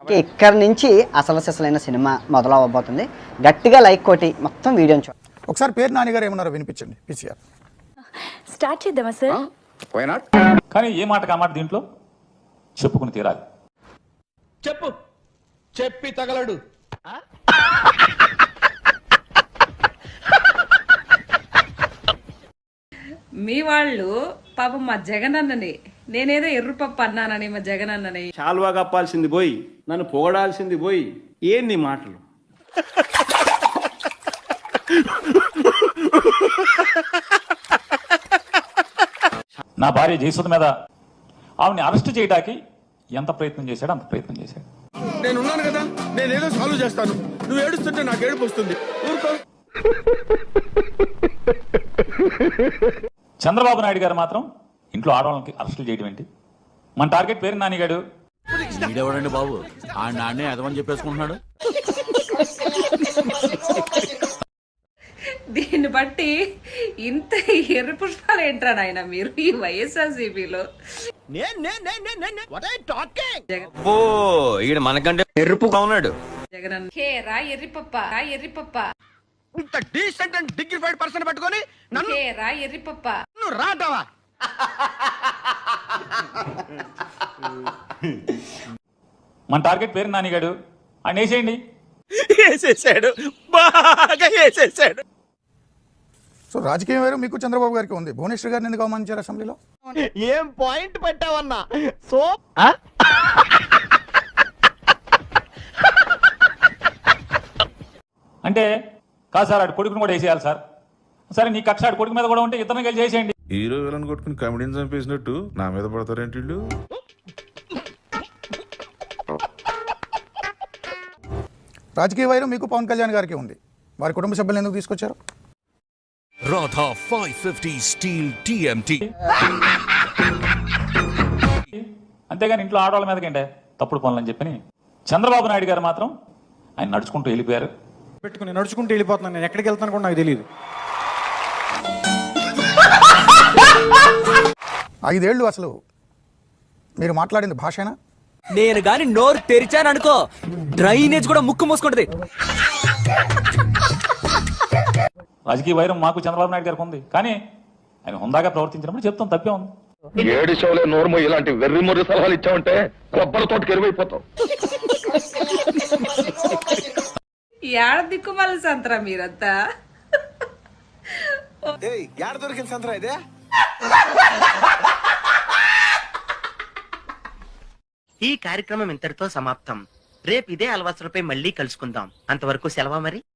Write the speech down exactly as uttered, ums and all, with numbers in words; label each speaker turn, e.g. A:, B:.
A: ఇక్కడ నుంచి అసలు సిసలైన సినిమా మొదలవబోతుంది. గట్టిగా లైక్ కొట్టి మొత్తం వీడియోని చూడండి.
B: ఒకసారి పేరు నాని గారు ఏమన్నారో వినిపించండి. పిసిఆర్
C: స్టార్ట్ చేద్దామా సార్?
D: Why not?
E: కానీ ఏ మాట కామాట దీంట్లో చెప్పుకుని తీరాలి.
D: చెప్పు, చెప్పి తగలడు.
F: మీ వాళ్ళు పాపం మా జగన్ అన్నని నేనేదో ఎర్రపప్పు అన్నానని మా జగన్ అన్నని
G: చాలువా కప్పాల్సింది పోయి నన్ను పొగడాల్సింది పోయి ఏంది మాటలు.
E: నా భార్య జయసుధ మీద ఆవిడని అరెస్ట్ చేయడానికి ఎంత ప్రయత్నం చేశాడో అంత ప్రయత్నం చేశాడు.
D: నేను ఉన్నాను కదా, నేనేదో సాల్వ్ చేస్తాను. నువ్వు ఏడుస్తుంటే నాకు ఏడుపు వస్తుంది. ఊరుకో.
E: చంద్రబాబు నాయుడు గారు మాత్రం ఇంట్లో ఆడవాళ్ళకి అరెస్టులు చేయడం ఏంటి? మన టార్గెట్ పేరు నానిగాడు.
H: వీడెవడండి బాబు? ఆ నాన్నే అదమని చెప్పేసుకుంటున్నాడు.
F: దీన్ని బట్టి ఇంత ఎర్ర పుష్పాలు ఏంట్రా నాయన మీరు ఈ వైఎస్ఆర్సీపీలో?
D: మనకంటే ఎరుపుగా ఉన్నాడు
F: జగన్ అన్న హే రా ఎర్రిపప్ప రా ఎర్రిపప్ప
D: ఇంత డీసెంట్ అండ్ డిగ్నిఫైడ్ పర్సన్ పట్టుకొని నన్ను
F: హే రా ఎర్రిపప్ప
D: నువ్వు రాటావా?
E: మన టార్గెట్ పేరు నానిగాడు. ఆయన వేసేయండి.
D: వేసేసాడు, బాగా వేసేసాడు.
B: సో రాజకీయం వేరు మీకు చంద్రబాబు గారికి ఉంది. భువనేశ్వర్ గారిని ఎందుకు అవమానించారు అసెంబ్లీలో?
D: ఏం పాయింట్ పెట్టావన్నా? సో
E: అంటే కాదు సార్, ఆడు కొడుకుని కూడా వేసేయాలి సార్. సరే నీ కక్ష ఆడు కొడుకు మీద కూడా ఉంటే ఇతను కలిసి చేసేయండి.
I: హీరో విలన్ కొట్టుకుని కమెడీని చంపేసినట్టు నా మీద పడతారేంటి వీళ్ళు?
B: రాజకీయ వైరం మీకు పవన్ కళ్యాణ్ గారికి ఉంది. వారి కుటుంబ సభ్యులను ఎందుకు తీసుకొచ్చారు?
J: Radha five fifty steel TMT.
E: అంతేగాని ఇంట్లో ఆడవాళ్ళ మీదకంటే తప్పుడు పనులు అని చెప్పని చంద్రబాబు నాయుడు గారు మాత్రం ఆయన నడుచుకుంటూ వెళ్ళిపోయారు.
K: పెట్టుకుని నడుచుకుంటూ వెళ్ళిపోతున్నాను. నేను ఎక్కడికి వెళ్తాను కూడా నాకు తెలియదు.
B: ఐదేళ్లు అసలు మీరు మాట్లాడింది భాషేనా?
L: నేను గాని నోరు తెరిచాను అనుకో, డ్రైనేజ్ కూడా ముక్కు మూసుకుంటది.
E: రాజకీయ వైరం మాకు చంద్రబాబు నాయుడు గారికి ఉంది. కానీ ఆయన హుందాగా ప్రవర్తించినప్పుడు చెప్తాం, తప్పే ఉంది.
D: ఏడు షోలే నోర్మో ఇలాంటి వెర్రి మొర్రి సలహాలు ఇచ్చావంటే కొబ్బరి తోటకి ఎరువైపోతావు.
F: ఏడ దిక్కుమాల సంతరా మీరంతా?
D: యాడ దొరికిన సంతరా ఇదే?
L: ఈ కార్యక్రమం ఇంతటితో సమాప్తం. రేపు ఇదే అలవాసులపై మళ్ళీ కలుసుకుందాం. అంతవరకు సెలవా మరి.